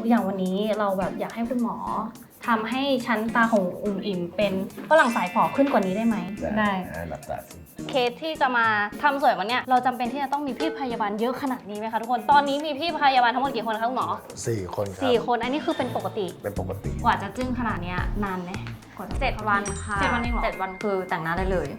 อย่างวันนี้เราแบบอยากให้คุณหมอทำให้ชั้นตาของอิ่มเป็นฝรั่งสายฝอขึ้นกว่านี้ได้ไหมได้หลับตาสิเคสที่จะมาทำสวยวันเนี้ยเราจำเป็นที่จะต้องมีพี่พยาบาลเยอะขนาดนี้ไหมคะทุกคนตอนนี้มีพี่พยาบาลทั้งหมดกี่คนคะคุณหมอ 4 คนครับ 4 คนอันนี้คือเป็นปกติกว่าจะจึ้งขนาดนี้นานไหมกว่าจะ 7 วันค่ะ 7 วันเองเหรอ 7 วันคือแต่งหน้าได้เลย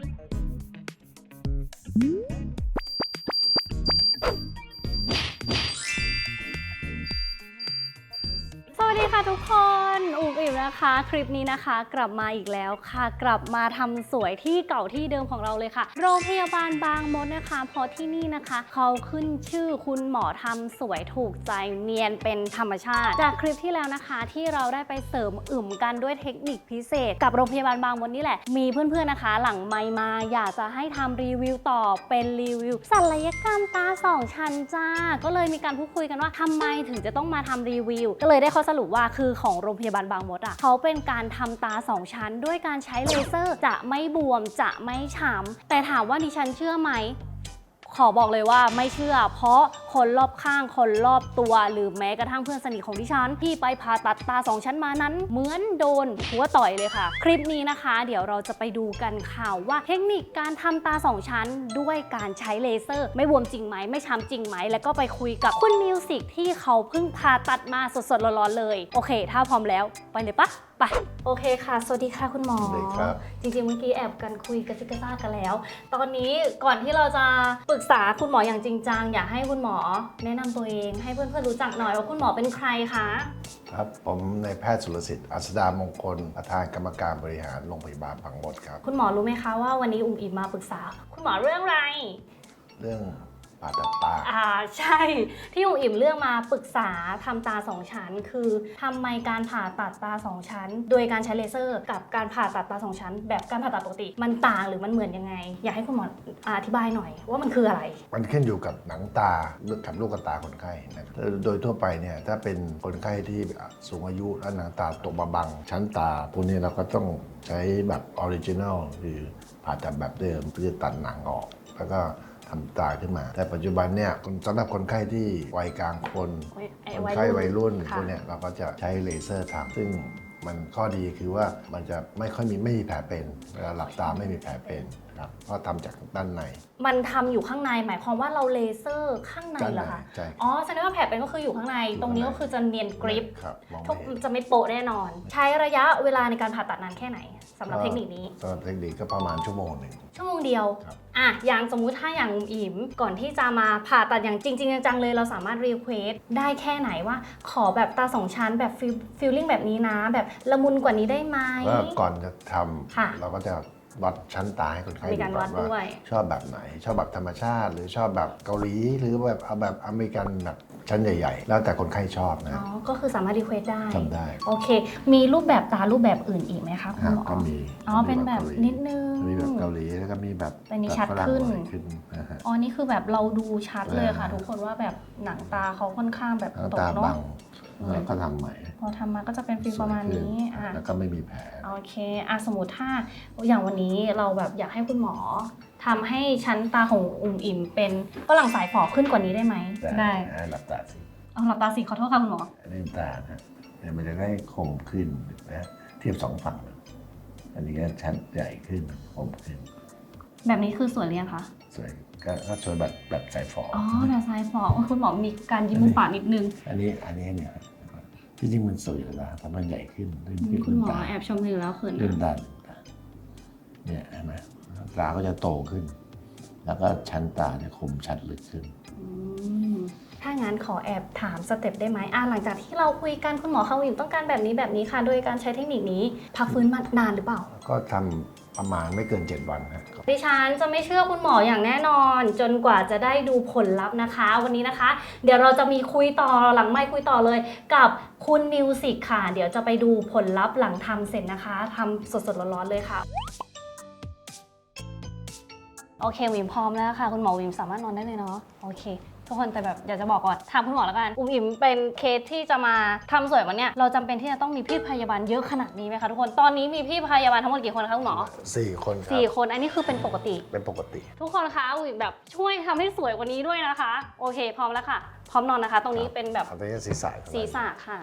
สวัสดีค่ะทุกคนอิ่มนะคะคลิปนี้นะคะกลับมาอีกแล้วค่ะกลับมาทำสวยที่เก่าที่เดิมของเราเลยค่ะโรงพยาบาลบางมดนะคะเพราะที่นี่นะคะเขาขึ้นชื่อคุณหมอทำสวยถูกใจเนียนเป็นธรรมชาติจากคลิปที่แล้วนะคะที่เราได้ไปเสริมกันด้วยเทคนิคพิเศษกับโรงพยาบาลบางมดนี่แหละมีเพื่อนๆนะคะหลังไมค์มาอยากจะให้ทำรีวิวต่อเป็นรีวิวศัลยกรรมตา2 ชั้นจ้าก็เลยมีการพูดคุยกันว่าทำไมถึงจะต้องมาทำรีวิวก็เลยได้ข้อสรุปว่าคือของโรงพยาบาลบางมดอ่ะเขาเป็นการทำตา2 ชั้นด้วยการใช้เลเซอร์จะไม่บวมจะไม่ฉ่ำแต่ถามว่าดิฉันเชื่อไหมขอบอกเลยว่าไม่เชื่อเพราะคนรอบข้างคนรอบตัวหรือแม้กระทั่งเพื่อนสนิทของดิฉันที่ไปผ่าตัดตา2 ชั้นมานั้นเหมือนโดนหัวต่อยเลยค่ะคลิปนี้นะคะเดี๋ยวเราจะไปดูกันค่ะว่าเทคนิคการทำตา2 ชั้นด้วยการใช้เลเซอร์ไม่บวมจริงไหมไม่ช้ำจริงไหมแล้วก็ไปคุยกับคุณมิวสิกที่เขาเพิ่งผ่าตัดมาสดๆร้อนๆเลยโอเคถ้าพร้อมแล้วไปเลยปะไปโอเคค่ะสวัสดีค่ะคุณหมอจริงๆเมื่อกี้แอบกันคุยกระซิบกระซาบกันแล้วตอนนี้ก่อนที่เราจะปรึกษาคุณหมออย่างจริงจังอยากให้คุณหมอแนะนำตัวเองให้เพื่อนๆรู้จักหน่อยว่าคุณหมอเป็นใครคะครับผมนายแพทย์สุรสิทธิ์อัศดามงคลประธานกรรมการบริหารโรงพยาบาลบางมดครับคุณหมอรู้ไหมคะว่าวันนี้อิ่มมาปรึกษาคุณหมอเรื่องอะไรเรื่องผ่าตัดตาใช่ที่อิ่มเลือกมาปรึกษาทำตา2 ชั้นคือทำไมการผ่าตัดตา2 ชั้นโดยการใช้เลเซอร์กับการผ่าตัดตา2 ชั้นแบบการผ่าตัดปกติมันต่างหรือมันเหมือนยังไงอยากให้คุณหมออธิบายหน่อยว่ามันคืออะไรมันขึ้นอยู่กับหนังตากับลูกตาคนไข้นะครับโดยทั่วไปเนี่ยถ้าเป็นคนไข้ที่สูงอายุและหนังตาตกมาบังชั้นตาพวกนี้เราก็ต้องใช้แบบออริจินัลคือผ่าตัดแบบเดิมเพื่อตัดหนังออกแล้วก็ทำตาขึ้นมาแต่ปัจจุบันเนี่ยสำหรับคนไข้ที่วัยกลางคนไข้วัยรุ่นพวกนี้เราก็จะใช้เลเซอร์ทำซึ่งมันข้อดีคือว่ามันจะไม่มีแผลเป็นเวลาหลับตาไม่มีแผลเป็นครับเพราะทำจากด้านในมันทำอยู่ข้างในหมายความว่าเราเลเซอร์ข้างในเหรอคะใช่อ๋อแสดงว่าแผลเป็นก็คืออยู่ข้างในตรงนี้ก็คือจะเนียนกริปจะไม่โปะแน่นอนใช้ระยะเวลาในการผ่าตัดนานแค่ไหนสำหรับเทคนิคนี้สำหรับเทคนิคก็ประมาณ1 ชั่วโมงชั่วโมงเดียวอย่างสมมุติถ้าอย่างอิ่มก่อนที่จะมาผ่าตัดอย่างจริงๆจังๆเลยเราสามารถรีเควสได้แค่ไหนว่าขอแบบตา2 ชั้นแบบฟีลลิ่งแบบนี้นะแบบละมุนกว่านี้ได้ไหมก่อนจะทำเราก็จะวัดชั้นตาให้คนไข้ดูก่อนว่าชอบแบบไหนชอบแบบธรรมชาติหรือชอบแบบเกาหลีหรือแบบเอาแบบอเมริกันแบบชั้นใหญ่ๆแล้วแต่คนไข้ชอบนะก็คือสามารถรีเควสได้ทำได้โอเคมีรูปแบบตารูปแบบอื่นอีกไหมคะคุณหมอก็มีเป็นแบบนิดนึงมีแบบเกาหลีแล้วก็มีแบบชัดขึ้นนี่คือแบบเราดูชัดเลยค่ะทุกคนว่าแบบหนังตาเขาค่อนข้างแบบตกเนาะแล้วก็ทำใหม่พอทำมาก็จะเป็นฟีลประมาณนี้แล้วก็ไม่มีแผลโอเคสมมติถ้าอย่างวันนี้เราแบบอยากให้คุณหมอทำให้ชั้นตาของอิ่มเป็นฝรั่งสายฝอขึ้นกว่านี้ได้ไหมได้หลับตาสิหลับตาสิขอโทษค่ะคุณหมอลืมตานะมันจะได้คมขึ้นนะเทียบ2 ฝั่งอันนี้ก็ชั้นใหญ่ขึ้นคมขึ้นแบบนี้คือสวยหรือยังคะสวยก็สวยแบบสายฝอแบบสายฝอคุณหมอมีการยิ้มมุมปากนิดนึงอันนี้เนี่ยที่จริงมันสวยอยู่แล้วแต่มันใหญ่ขึ้นคุณหมอแอบชมอยู่แล้วคืนลืมตาเนี่ยเห็นไหมตาก็จะโตขึ้นแล้วก็ชั้นตาเนี่ยคมชัดลึกขึ้นถ้างั้นขอแอบถามสเต็ปได้ไหมหลังจากที่เราคุยกันคุณหมอเขาต้องการแบบนี้ค่ะโดยการใช้เทคนิคนี้พักฟื้นมานานหรือเปล่าก็ทำประมาณไม่เกิน7 วันครับดิฉันจะไม่เชื่อคุณหมออย่างแน่นอนจนกว่าจะได้ดูผลลัพธ์นะคะวันนี้นะคะเดี๋ยวเราจะมีคุยต่อหลังไมค์คุยต่อเลยกับคุณมิวสิกค่ะเดี๋ยวจะไปดูผลลัพธ์หลังทำเสร็จนะคะทำสดๆร้อนๆเลยค่ะโอเควิมพร้อมแล้วค่ะคุณหมอวิมสามารถนอนได้เลยเนาะโอเคทุกคนแต่แบบอยากจะบอกก่อนถามคุณหมอแล้วกันอุ้มอิ่มเป็นเคสที่จะมาทำสวยวันเนี้ยเราจำเป็นที่จะต้องมีพี่พยาบาลเยอะขนาดนี้ไหมคะทุกคนตอนนี้มีพี่พยาบาลทั้งหมดกี่คนคะคุณหมอ 4 คนครับ 4 คนอันนี้คือเป็นปกติเป็นปกติทุกคนคะอุ้มอิ่มแบบช่วยทำให้สวยกว่านี้ด้วยนะคะโอเคพร้อมแล้วค่ะพร้อมนอนนะคะ ตรงนี้เป็นแบบเอาไปที่ศีรษะศีรษะค่ะ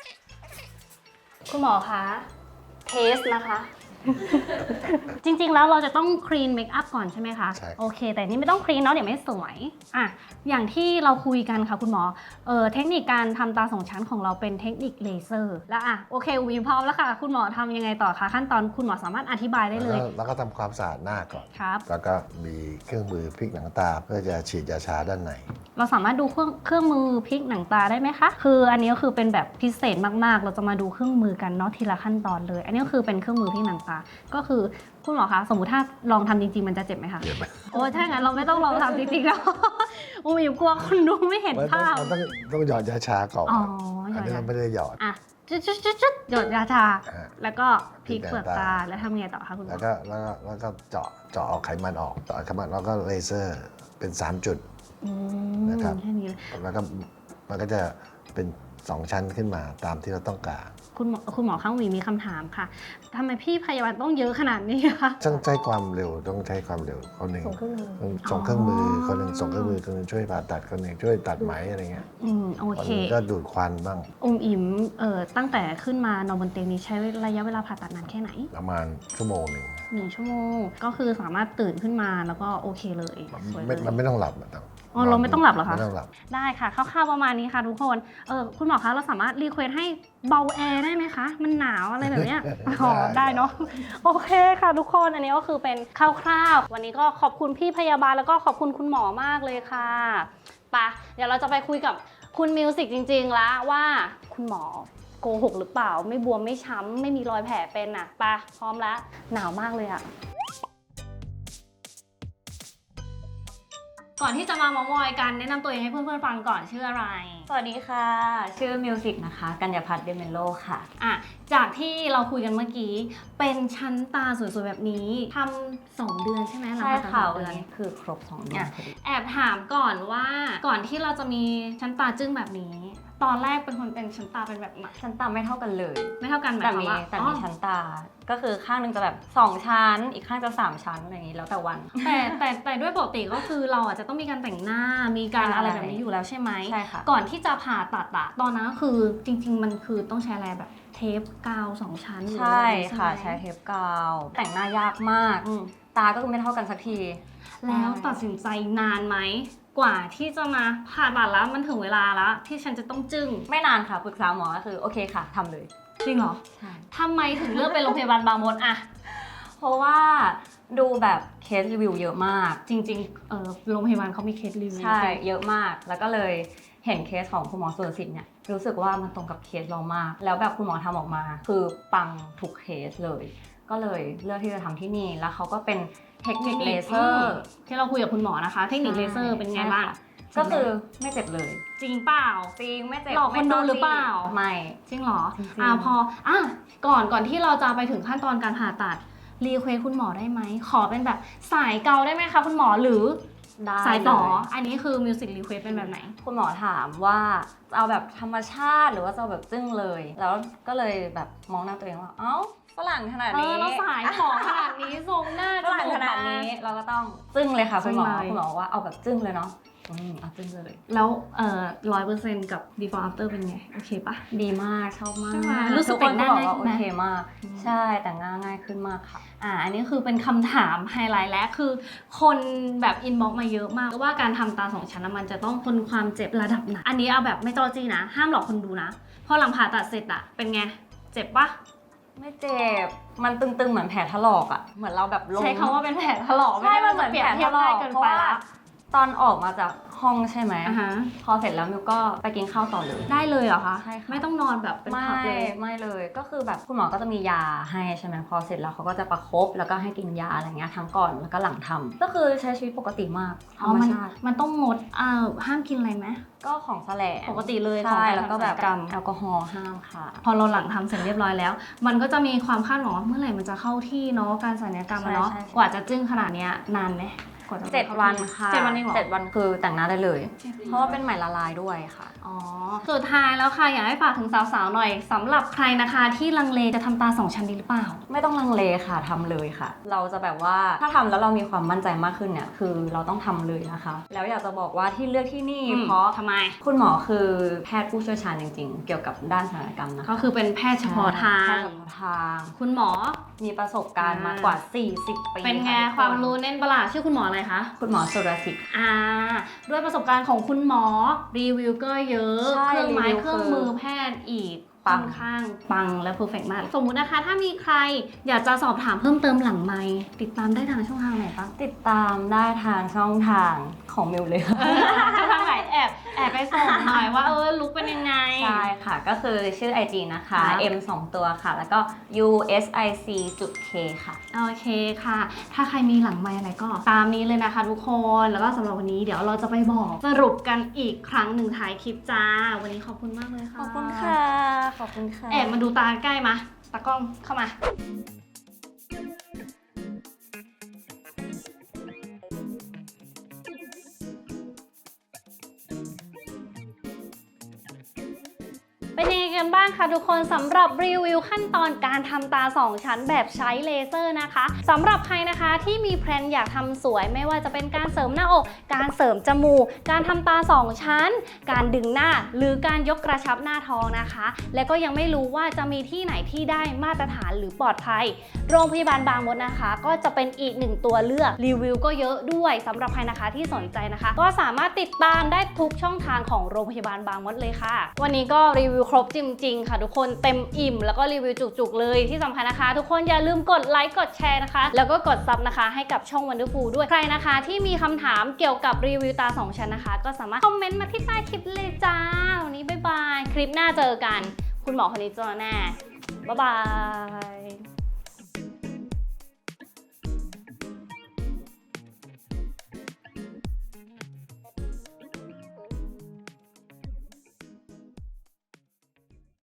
คุณหมอคะเทสนะคะ จริงๆแล้วเราจะต้องคลีนเมคอัพก่อนใช่ไหมคะใช่โอเค แต่นี่ไม่ต้องคลีนเนาะเดี๋ยวไม่สวยอ่ะอย่างที่เราคุยกันค่ะคุณหมอเทคนิคการทำตา2 ชั้นของเราเป็นเทคนิคเลเซอร์แล้วอ่ะโอเควิวพร้อมแล้วค่ะคุณหมอทำยังไงต่อคะขั้นตอนคุณหมอสามารถอธิบายได้เลยแล้วก็ทำความสะอาดหน้าก่อนครับแล้วก็มีเครื่องมือพลิกหนังตาเพื่อจะฉีดยาชาด้านในเราสามารถดูเครื่องมือพลิกหนังตาได้ไหมคะคืออันนี้ก็คือเป็นแบบพิเศษมากๆ เราจะมาดูเครื่องมือกันเนาะทีละขั้นตอนเลย อันนี้ก็คือเป็นเครื่องมือพลิกหนังตาก็คือคุณหมอคะสมมุติถ้าลองทำจริงๆมันจะเจ็บไหมคะเจ็บไหมโอ้ถ้างั้นเราไม่ต้องลองทำจริงๆแล้ว อุ้มอยู่กลัวคนดูไม่เห็นภาพมันต้องหยอดยาชาก่อนอ๋อหยอัอน ดนี้ยาเราไม่ได้หยอดอ่ะจุดหยดยาชาอ่าแล้วก็พลิกเปลือกพลิกหนังตาตาแล้วทำไงต่อคะคุณหมแล้อวก็เจาะเอาไขมันออกเจาะไขมันแล้วก็เลเซอร์เป็น3 จุดอืมนะครับแค่นี้เลยแล้วก็มันก็จะเป็น2 ชั้นขึ้นมาตามที่เราต้องการคุณหมอข้างหวีมีคำถามค่ะทำไมพี่พยาบาลต้องเยอะขนาดนี้คะต้องใช้ความเร็วต้องใช้ความเร็วคนหนึ่งส่งเครื่องมือคนหนึ่งส่งเครื่องมือคนหนึ่งช่วยผ่าตัดคนหนึ่งช่วยตัดไหมอะไรเงี้ยโอคนเคหนึ่งก็ดูดควันบ้างอุ้มอิ่มตั้งแต่ขึ้นมานอนบนเตียงนี้ใช้ระยะเวลาผ่าตัดนานแค่ไหนประมาณชั่วโมงหนึ่ง 1 ชั่วโมงก็คือสามารถตื่นขึ้นมาแล้วก็โอเคเลยสวยเลยมันไม่ต้องหลับอะต้องอ๋อเราไม่ต้องหลับเหรอคะไม่ต้องหลับได้ค่ะคร่าวๆประมาณนี้ค่ะทุกคนคุณหมอคะเราสามารถรีเควสให้เบาแอร์ได้ไหมคะมันหนาวอะไรแบบเนี้ย อ๋อได้เนาะโอเคค่ะทุกคนอันนี้ก็คือเป็นคร่าวๆวันนี้ก็ขอบคุณพี่พยาบาลแล้วก็ขอบคุณคุณหมอมากเลยค่ะไปะเดี๋ยวเราจะไปคุยกับคุณมิวสิกจริงๆแล้วว่าคุณหมอโกหกหรือเปล่าไม่บวมไม่ช้ำไม่มีรอยแผลเป็นอ่ะไปะพร้อมแล้วหนาวมากเลยอ่ะ ก่อนที่จะมามามอยกันแนะนำตัวเองให้เพื่อนๆฟังก่อนชื่ออะไรสวัสดีค่ะ ชื่อมิวสิกนะคะ กัญญาพัฒน์เดเมโลค่ะอ่ะจากที่เราคุยกันเมื่อกี้เป็นชั้นตาสวยๆแบบนี้ทำ2 เดือนใช่ไหมหลังใช่ผ่าตัดค่ะ 2 วันเดือนนี้คือครบ2 เดือนพอดีแอบถามก่อนว่าก่อนที่เราจะมีชั้นตาจึ้งแบบนี้ ตอนแรกเป็นคนเป็นชั้นตาเป็นแบบไหนชั้นตาไม่เท่ากันเลยไม่เท่ากันหมายแต่ความมีว่าแต่อ๋มีอชั้นตา ก็คือข้างหนึงจะแบบ2 ชั้น อีกข้างจะ3 ชั้นอะไรอย่างนี้แล้วแต่วันแต่ด้วยปกติก็คือเราอาจจะต้องมีการแต่งหน้ามีการใช่อะไรแบบนี้อยู่แล้วใช่ไหมใช่ค่ะก่อนที่จะผ่าตัดอะตอนนั้นก็คือจริง ๆ มันคือต้องใช้อะไรแบบเทปกาว2 ชั้นหรือใช่อะไรค่ะไหมใช้เทปกาว แต่งหน้ายากมากอืมตาก็คือไม่เท่ากันสักทีแล้วตัดสินใจนานไหมกว่าที่จะมาผ่าตัดแล้วมันถึงเวลาแล้วที่ฉันจะต้องจึ้งไม่นานค่ะปรึกษาหมอก็คือโอเคค่ะทำเลยจริงเหรอใช่ทำไมถึงเลือกเป็นโรงพยาบาลบางมดอะเพราะว่าดูแบบเคสรีวิวเยอะมากจริงโรงพยาบาลเขามีเคสรีวิวใช่ เยอะมาก แล้วก็เลยเห็นเคสของคุณหมอสุรสิทธิ์เนี่ย รู้สึกว่ามันตรงกับเคสเรามาก แล้วแบบคุณหมอทำออกมา คือปังทุกเคสเลย ก็เลยเลือกที่จะทำที่นี่ แล้วเขาก็เป็นเทคนิคเลเซอร์ที่เราคุยกับคุณหมอนะคะ เทคนิคเลเซอร์เป็นไงบ้างก็คือไม่เจ็บเลยจริงเปล่าจริงไม่เจ็บหลอกคนดูหรือเปล่าไม่จริงเหรอจริงๆพอก่อนที่เราจะไปถึงขั้นตอนการผ่าตัดรีเควสคุณหมอได้ไหมขอเป็นแบบสายเกาได้ไหมคะคุณหมอหรือได้สายต่อเลยอันนี้คือมิวสิกรีเควสเป็นแบบไหนคุณหมอถามว่าจะเอาแบบธรรมชาติหรือว่าจะเอาแบบจึ้งเลย แล้วก็เลยแบบมองหน้าตัวเองว่า เอ้าฝรั่งขนาดนี้เราสายของขนาดนี้ทรงหน้าฝรั่งขนาดนี้เราก็ต้องจึ้งเลยค่ะคุณหมอจึ้งเลยคุณหมอบอกว่าเอาแบบจึ้งเลยเนาะเอาจึ้งเลยแล้ว100%กับ before after เป็นไง โอเคปะดีมากชอบมากใช่ไหมรู้สึกทุคนแต่งหน้าบอกว่าง่ายโอขึ้นไหมเคมาก ใช่แต่งหน้าง่ายขึ้นมากค่ะอันนี้คือเป็นคำถามไฮไลท์และคือคนแบบอินบ็อกมาเยอะมากว่าการทำตา2 ชั้นมันจะต้องทนความเจ็บระดับไหนอันนี้เอาแบบไม่จอจี้นะ ห้ามหลอกคนดูนะ พอหลังผ่าตัดเสร็จอะเป็นไง เจ็บปะไม่เจ็บมันตึงๆเหมือนแผลถลอกอ่ะเหมือนเราแบบลงใช้คำว่าเป็นแผลถลอกใช่มันเหมือนเปรียบแผลเทีถยบลอได้กเกินเพราะไปว่าละตอนออกมาจากห้องใช่ไหมอ่าฮะพอเสร็จแล้วมิวก็ไปกินข้าวต่อเลยได้เลยเหรอคะใช่ค่ะไม่ต้องนอนแบบเป็นไม่พับเลยไม่เลยก็คือแบบคุณหมอก็จะมียาให้ใช่ไหมพอเสร็จแล้วเขาก็จะประคบแล้วก็ให้กินยาอะไรเงี้ยทั้งก่อนแล้วก็หลังทำก็คือใช้ชีวิตปกติมากธรรมชาติมันต้องงดห้ามกินอะไรไหมก็ของแสลงปกติเลยของใช่การแล้วก็แบบทำศัลยกรรมแอลกอฮอล์ห้ามค่ะพอเราหลังทำเสร็จเรียบร้อยแล้ว มันก็จะมีความคาดหวังว่าเมื่อไหร่มันจะเข้าที่เนาะการศัลยกรรมอะเนาะใช่ใช่กว่าจะจึ้งขนาดเนี้ยนานไหมกว่าจะ 7 วันค่ะ 7 วันเองเหรอ 7 วันคือแต่งหน้าได้เลย เพราะว่าเป็นไหมละลายด้วยค่ะอ๋อสุดท้ายแล้วค่ะอยากให้ฝากถึงสาวๆหน่อยสำหรับใครนะคะที่ลังเลจะทำตา2 ชั้นดีหรือเปล่าไม่ต้องลังเลค่ะทำเลยค่ะ เราจะแบบว่าถ้าทำแล้วเรามีความมั่นใจมากขึ้นเนี่ยคือเราต้องทำเลยนะคะ แล้วอยากจะบอกว่าที่เลือกที่นี่เพราะทำไมคุณหมอคือแพทย์ผู้เชี่ยวชาญจริงๆ เกี่ยวกับด้านศัลยกรรมนะคะก็คือเป็นแพทย์เฉพาะทาแพงทย์เฉพาะทางคุณหมอมีประสบการณ์มากว่า 40 ปีเป็นไงะทุกความรู้แน่นประหลาดชื่อคุณหมออะไรคะคุณหมอสุรสิทธิ์ด้วยประสบการณ์ของคุณหมอรีวิวก็เยอะใช่เครื่องไม้รีวิวเครื่องมือแพทย์อีกปัค่อง นข้างปังและเพอร์เฟกต์มากสมมุตินะคะถ้ามีใครอยากจะสอบถามเพิ่มเติมหลังไมค์ติดตามได้ทางช่องทางไหนบ้างติดตามได้ทางช่องทางของมิวเลยค่ะช่องทางไหนแอบไปส่งหน่อยว่าลุกเป็นยังไงใช่ค่ะ ก็คือชื่อ IG นะคะครับ M 2 ตัวค่ะ แล้วก็ USIC.K ค่ะโอเคค่ะ ถ้าใครมีหลังไมค์อะไรก็ตามนี้เลยนะคะทุกคน แล้วก็สำหรับวันนี้เดี๋ยวเราจะไปบอกสรุปกันอีกครั้งหนึ่งท้ายคลิปจ้า วันนี้ขอบคุณมากเลยค่ะขอบคุณค่ะ ขอบคุณค่ะแอบมาดูตาใกล้มาตากล้องเข้ามา เป็นยังไงกันบ้างคะทุกคนสำหรับรีวิวขั้นตอนการทำตา 2 ชั้นแบบใช้เลเซอร์นะคะสำหรับใครนะคะที่มีแพลนอยากทำสวยไม่ว่าจะเป็นการเสริมหน้าอก การเสริมจมูก การทำตา 2 ชั้น การดึงหน้าหรือการยกกระชับหน้าท้องนะคะ และก็ยังไม่รู้ว่าจะมีที่ไหนที่ได้มาตรฐานหรือปลอดภัย โรงพยาบาลบางมดนะคะ ก็จะเป็นอีกหนึ่งตัวเลือกรีวิวก็เยอะด้วยสำหรับใครนะคะที่สนใจนะคะ ก็สามารถติดตามได้ทุกช่องทางของโรงพยาบาลบางมดเลยค่ะ วันนี้ก็รีวิวครบจริงๆค่ะทุกคนเต็มอิ่มแล้วก็รีวิวจุกๆเลยที่สำคัญนะคะ ทุกคนอย่าลืมกดไลค์กดแชร์นะคะแล้วก็กดซับนะคะให้กับช่อง Wonderful ด้วยใครนะคะที่มีคำถามเกี่ยวกับรีวิวตา 2 ชั้นนะคะ ก็สามารถคอมเมนต์มาที่ใต้คลิปเลยจ้าวันนี้บ๊ายบายคลิปหน้าเจอกันคุณหมอคนนี้เจอแน่บ๊ายบาย